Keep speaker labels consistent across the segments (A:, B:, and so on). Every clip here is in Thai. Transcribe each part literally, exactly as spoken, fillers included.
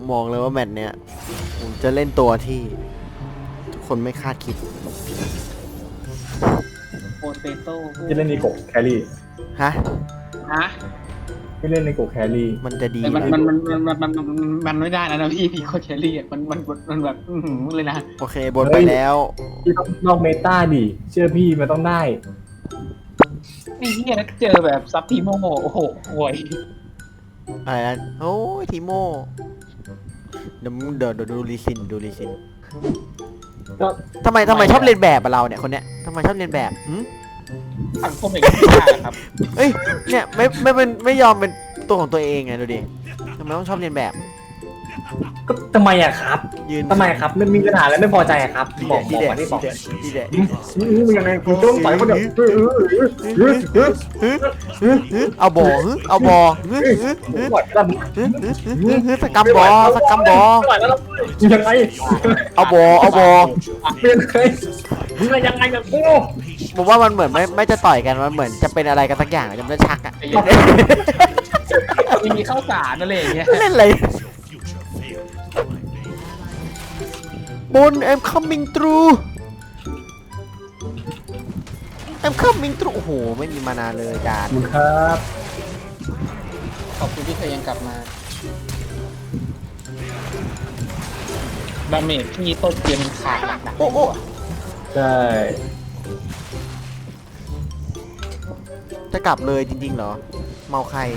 A: มองเลยว่าแมตช์เนี้ยผมจะเล่นตัวที่ทุกคนไม่คาดคิด
B: โปเตโต้
C: ที่เล่นในโกแครี่
A: ฮะ
B: ฮะ
C: ที่เล่นในโกแครี่
A: มันจะดี
B: แต่มัน
A: ไหม
B: มันมันมันมันมันมันไม่ได้นะนะพี่พี่โคเชอรี่อ่ะมันมันมันแบบอือหือเลยนะ
A: โอเคบนไปแล้ว
C: ที่ต้องนอกเมตาดิเชื่อพี่มันต้องได้
B: ไอ้เหี้ยเจอแบบซับทีโมโอ้โหห่วย
A: อะไรนะโอ้ยทีโมเดี๋ยวเดี๋ยวเดี๋ยวดูรีซินดูรีซิน
C: ก็
A: ทำไมทำไมชอบเรียนแบบอะเราเนี่ยคนเนี้ยทำไมชอบเรียนแบบหืม
B: สังคมอย่างนี้ไม่ได้ครับ
A: เอ้ยเนี่ยไม่ไม่เป็นไม่ยอมเป็นตัวของตัวเองไงดูดิทำไมต้องชอบเรียนแบบ
C: ก็ทำไมอะครับ
A: ยืน
C: ทำไมครับมันมีปัญหาอะไรไม่พอใจอะครับ
A: ดี
C: บอก
A: ดี
C: บอก
A: เด็
C: มาที่บอก
A: ดีเด็
C: มึงยังไงกูต้องต่อยคนเดียวเออเออเออเออ
A: ฮึฮึเอาบอฮึเอาบอฮึฮึฮึ
C: ต่อยแล้ว
A: ฮึฮึฮึฮึสกัมบอสกัมบอ
C: ต่อยแล้วยังไง
A: เอาบอเอาบอ
C: เป็นใครมึงยังไงกับกู
A: ผมว่ามันเหมือนไม่ไม่จะต่อยกันมันเหมือนจะเป็นอะไรกันสักอย่างจะไม่ชักอะ
B: มีมีข้าวสารอะไรอย่างเงี้ย
A: เล่นอะไรบน I'm coming through I'm coming through โอ้โหไม่มีมานานเลยจาน
C: มึงครับ
B: ขอบคุณที่เคยยังกลับมาดาเมจที่ต้นเกมมันขาดหนักๆ
A: โอ้โอ้
C: ใช่
A: จะกลับเลยจริงๆเหรอเมาใคร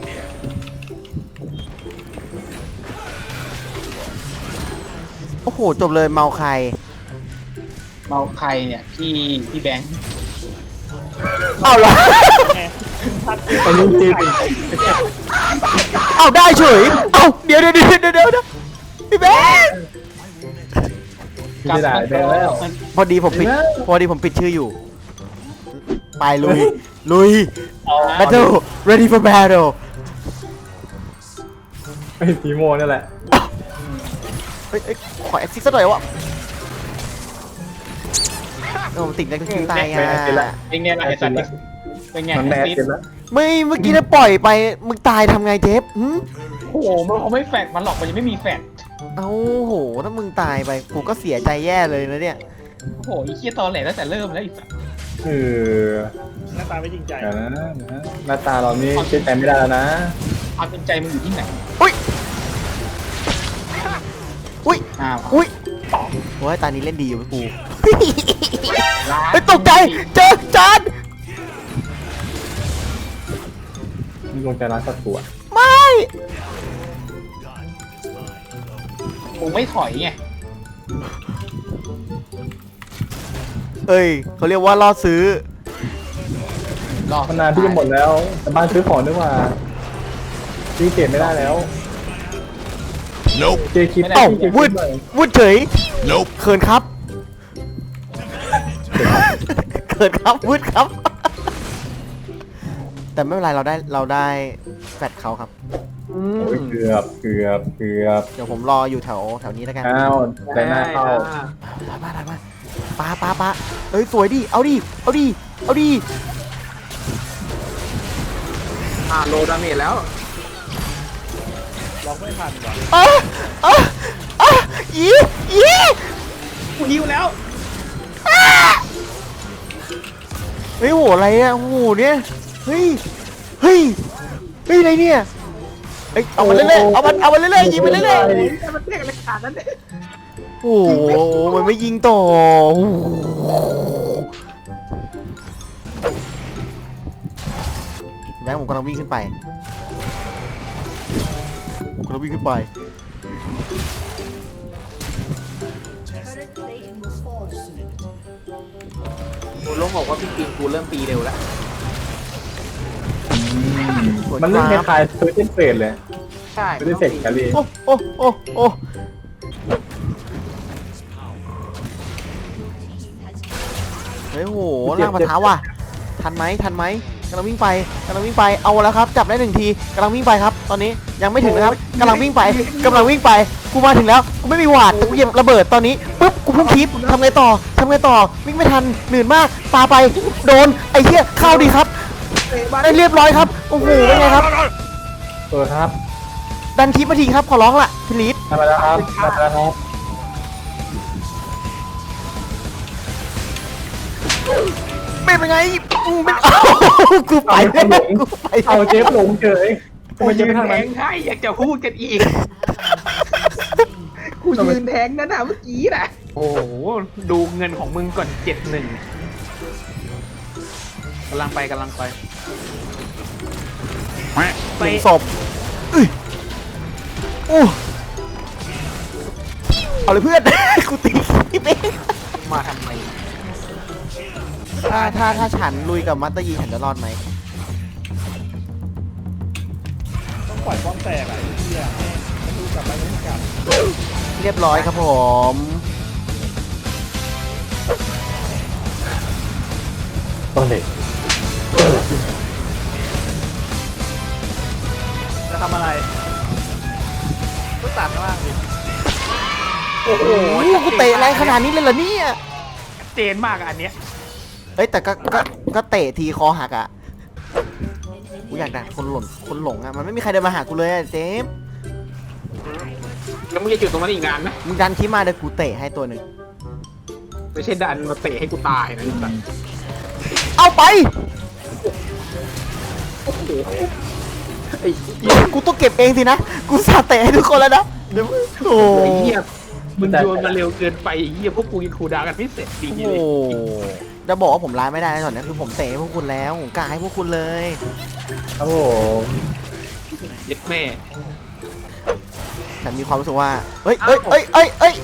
A: โอ้โหจบเลยเมาใคร
B: เมาใครเนี่ยพี่พี่แบงค์
A: เอาเหรอ
C: ตอนนี้จริง
A: เอาได้เฉยเอาเดี๋ยวเดี๋ยวเดี๋ยวเดี๋ยวเดี๋ยวพี่แบงค์
C: ไม่ได้ไปแล้ว
A: พอดีผมปิดพอดีผมปิดชื่ออยู่ไปลุยลุย battle ready for battle
C: ไอ้ทีโมนั่นแหละ
A: เฮ้ยเอ้ยขอแอคซิสซะหน่อยวะโอ้ติดแล้วก็คิวตายอ่ะ
B: เป็นไงล่ะไอ้สัตว์เป็นไง
C: มันแมส
B: ซิ
C: เสร็จแล้ว
A: ไม่เมื่อกี้ถ้าปล่อยไปมึงตายทำไงเจฟหืม
B: โอ้โหมันเขาไม่แฟดมันหรอกมันยังไม่มีแฟด
A: เอ้าโหถ้ามึงตายไปกูก็เสียใจแย่เลยนะเนี่ย
B: โอ้โหไอ้เคียตอแหลตั้งแต่เริ่มแล้วไอ้สัตว์
C: เออ
D: หน้าตาไม่จริงใจ
C: เดี๋ยวนะนะหน้าตาเรานี่เชื่อใจไม่ได้แล้วนะ
B: ความเป็นใจมันอยู่ที่ไหน
A: อุ้ยอุ้ย
B: อ้าว
A: อุ้ยโอ้ยตานี้เล่นดีอยู่กูเฮ้ยตกใจเจอจาน
C: มีลงใจร้านสัตว์ตัว
A: ไม่
B: มึงไม่ถอยไง
A: เอ้ยเขาเรียกว่าล่อซื้อ
B: รอ
C: มันนานที่จะหมดแล้วแต่บ้านซื้อของด้วยว่าซื้อเก็บไม่ได้แล้ว
E: Nope.
C: เจคิด
A: เอ้า
C: เจคิด
A: วุด
C: หน่อย
A: วุดเฉย
E: Nope.
A: เขินครับเขินครับวุดครับ แต่ไม่เป็นไรเราได้เราได้แฟดเขาครับอืม
C: โอ้ยเกือบเกือบเกือบ
A: เดี๋ยวผมรออยู่แถวแถวนี้แล้วกัน
C: อ้าวแต่หน้าเข้า
A: ถอยมาถอยมาปาปาปาเอ้ยสวยดิเอาดิเอาดิเอาดิ
F: อ่าโลดาเมจแล้ว
D: ล็อกไม่ทันว่ะ
A: อ่ะอ่ะอ่ะอีอี
B: กูหิวแล้ว
A: เฮ้ยโหอะไรอ่ะโหเนี่ยเฮ้ยเฮ้ยเฮ้ยอะไรเนี่ยเอ้ยเอามาเรื่อยๆเอามันเอามาเรื่อยๆยิงไปเรื่อย
B: มันเรียกอะไรขาดนั่นเนี่ย
A: ๆโอ้โหมันไม่ยิงต่อโอ้โหแบงค์ผมกำลังวิ่งขึ้นไปผมกำลังวิ่งขึ้นไป
F: กูลงบอกว่าพี่กินกูเริ่มปีเร็วแล้ว
C: มันเล่นคล้ายๆซื้อเต้นเฟรดเลย
F: ใช่
C: ซื้อเต้นเฟรดแคลรี่
A: โอ้โอ้โอ้โอ้เฮ้ยโหล่างปะท้าว่ะทันไหมทันไหมกำลังวิ่งไปกำลังวิ่งไปเอาแล้วครับจับได้หนึ่งทีกำลังวิ่งไปครับ ตอนนี้ยังไม่ถึงนะครับกำลังวิ่งไปกำลังวิ่งไปกูมาถึงแล้วกูไม่มีหวาดแต่กูเหยียบระเบิดตอนนี้ปุ๊บกูพุ่งคลิปทำไงต่อทำไงต่อวิ่งไม่ทันหนื่นมากปาไปโดนไอ้เหี้ยเข้าดีครับได้เรียบร้อยครับโอ้โหเป็นไงครับ
C: เออครับ
A: ดันคลิปมาทีครับขอร้องล่ะพี่ลิศ
C: ทำมาแล้วครับทำมาแล้วครับ
A: ไม่เป็นไงกูไม่เอากูไปกูไป
C: เอาเจฟหลงเฉยทำไมเจฟไม่ทาง
F: แท
C: นั้น
F: งให้อยากจะพูดกันอีกกูยืนแทงนั่นนะเมื่อกี้น่ะโอ้โหดูเงินของมึงก่อนเจ็ดหนึ่งกำลังไปกำลังไป
A: หนึ่งศพอุ้ยโอ้เอาเลยเพื่อน กูตีพี่เป้
F: มาทำไม
A: ถ้าถ้าถ้าฉันลุยกับมัตเตอร์ยีฉันจะรอดไหม
D: ต้องปล่อยป้อมแตกอ่ะไอ้เหี้ยแม่งประตูกลับไปไม่กลับ
A: เรียบร้อยครับผม
C: ต้นเด็ก
D: จะทำอะไรก็ตัดล่างดิ
A: โอ้โหกูเตะแรงขนาดนี้เลยเหรอเนี่ย
F: เจนมากอะอันเนี้ย
A: เอ้ยแต่ก็ก็ก็เตะทีคอหักอ่ะกูอยากดักคนหล่นคนหลงอ่ะมันไม่มีใครเดินมาหากูเลยอะเจมส์
F: แล้วมึงจะอยู่ตรงนั้นอีกนานนะ
A: มึงดันคลิปมาเดี๋ยวกูเตะให้ตัวหนึ่ง
F: ไม่ใช่ดันมาเตะให้กูตายนะแบบ
A: เอาไป
F: ไอ้
A: กูต้องเก็บเองสินะกูสาเตะให้ทุกคนแล้วนะเดี๋ยวโอ้
F: ไอ้เหี้ยมึงโยนมาเร็วเกินไปไอ้เหี้ยพวกกูยังคูลดาวน์กันไม่เสร็จดี
A: โห
F: เลย
A: จะบอกว่าผมร้ายไม่ได้นะตอนนี้คือผมเตะให้พวกคุณแล้วผมกล้าให้พวกคุณเลย
C: ครับผม
F: เย็ดแม่
A: ฉันมีความรู้สึกว่าเอ้ยเอ้ยเอ้ยเอ้ยเอ้ย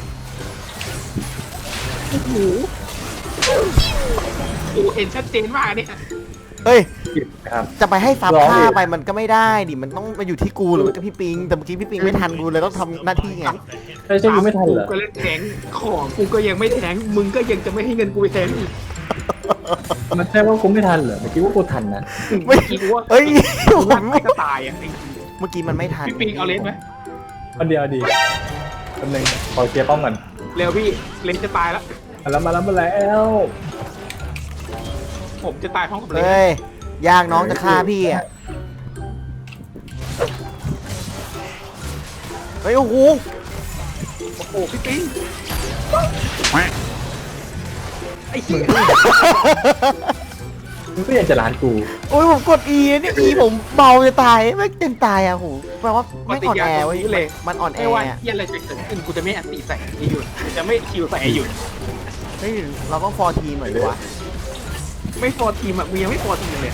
F: กูเห็นชัดเจนมากเนี่ย
A: เอ้ย
C: ครับ
A: จะไปให้ซับ
C: ร้อง
A: ฆ่า
C: อีก
A: ไปมันก็ไม่ได้ดิมันต้องมาอยู่ที่กูหรือว่าพี่ปิงแต่เมื่อกี้พี่ปิงไม่ทันกูเลยต้องทำหน้าที่ไง
C: ใช่ใช่กูไม่ทันเหรอ
F: กูก็เล่นแทงของกูก็ยังไม่แทงมึงก็ยังจะไม่ให้เงินกูไปแทงอีก
C: มันใช่ว่ากูไม่ทันเหรอเมื่อกี้ว่ากูทันนะ
F: เมื่อกี้กูว่า
A: เอ้ย
F: กู
A: ผ
F: ว่าม ไม่ก็ตายอ่ะไอ้
A: เมื่อกี้มันไม่ทัน
F: พี่ปิงเอาเลนไหม
C: คนเดียวดีคนหนึ่งขอเคลียร์ป้อมก่อน
F: เร็วพี่เลนจะตายแล้ว
C: มาแล้วมาแล้วมาแล้ว
F: ผมจะตายพร้อมกับเลน
A: เฮ้ยยากน้องจะฆ่าพี่อ่ะเฮ้ยโอ้โห
F: โอ้โหพี่ปิงไอ้เหี้ย
C: มึงก็ยังจะร้านกู
A: โอ้ยผมกด E นี่ E ผมเบาจะตายไม่ยังตายอ่ะโหแปลว่าไม่อ่อนแอเว้ยมันอ่อนแอ
F: ไม่ว่า
A: อ่ะ
F: เหี้ยอะไรจะเกิดขึ้นกูจะไม่อันตีใส่ไอ้หยุดกูจะไม่คิวใส่ไอ้หยุด
A: เฮ้ยเราต้องฟอร์ทีมหน่อยดีวะ
F: ไม่ฟอร์ทีมอ่ะกูยังไม่ฟอร์ทีมเลย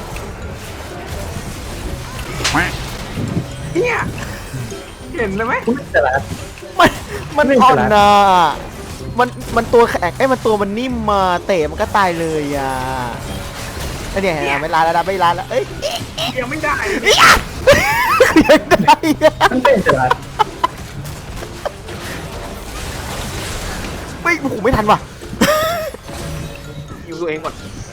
F: เนี่ยเห็นเลยไหม
C: กูไม่จะร้าน
A: มันมัน
C: ไม่
A: อ่อน
C: ฉลาด
A: นะมันมันตัวแข็งไอ้ยมันตัวมันนิ่มมาเตะมันก็ตายเลยอ่ะไอ้เนี่ยเห็นไหมไม่ลาแล้วนะไม่ลาแล้วเอ้ย
F: ยังไม่ได้เลย
A: ยังได้อ่ะ
C: มันเป็นจะร้าน
A: ไม่โอ้โหไม่ทันว่ะ
F: อยู่ตัวเองก่อน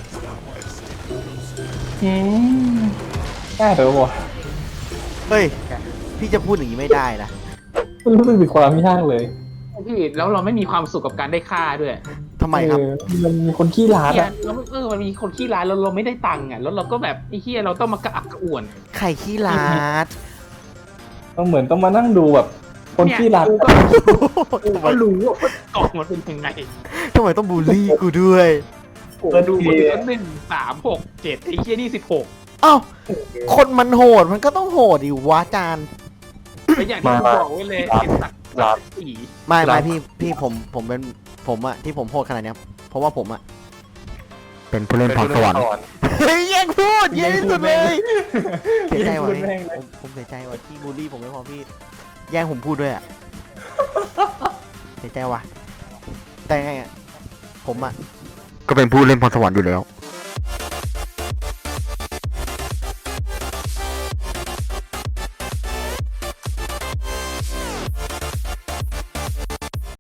C: อืมได้ไปวะ
A: เฮ้ยพี่จะพูดอย่างนี้ไม่ได้นะ
C: มันรู้สึกมีความยากเลย
F: พี่แล้วเราไม่มีความสุขกับการได้ค่าด้วย
A: ทำไมครับ
C: เออมันมีคนขี้ร้าน
F: เนี่ย
C: อะ
F: เราเออมันมีคนขี้ร้ายแล้วเราไม่ได้ตังค์อ่ะแล้วเราก็แบบไอ้เฮียเราต้องมากระอักกระอ่วน
A: ไข่ขี้ลาด
C: ต้องเหมือนต้องมานั่งดูแบบ คนขี้ร้าน
F: กูก็กูก็รู้ว่ากล่องมันเป็นยังไง
A: ทำไมต้องบูลลี่กูด้วย
F: กูดูคนละหนึ่งสามหกเจ็ดไอ้เฮียนี่สิบหก
A: เอ้าคนมันโหดมันก็ต้องโหดดิวะจาน
F: แล้วอย่างที่กูบอกไว้เลยเห็นสักสี
A: ไม่ไม่พี่พี่ผมผมเป็นผมอะที่ผมโหดขนาดเนี้ยเพราะว่าผมอะเป็นผู้เล่นพรสวรรค์เฮ้ยแย่งพูดแย่งที่สุดเลยเสียใจว่ะพี่ผมผมเสียใจว่ะที่บูลลี่ผมไม่พอพี่แย่งผมพูดด้วยอะเสียใจว่ะแต่ไงอะผมอะก็เป็นผู้เล่นพรสวรรค์อยู่แล้ว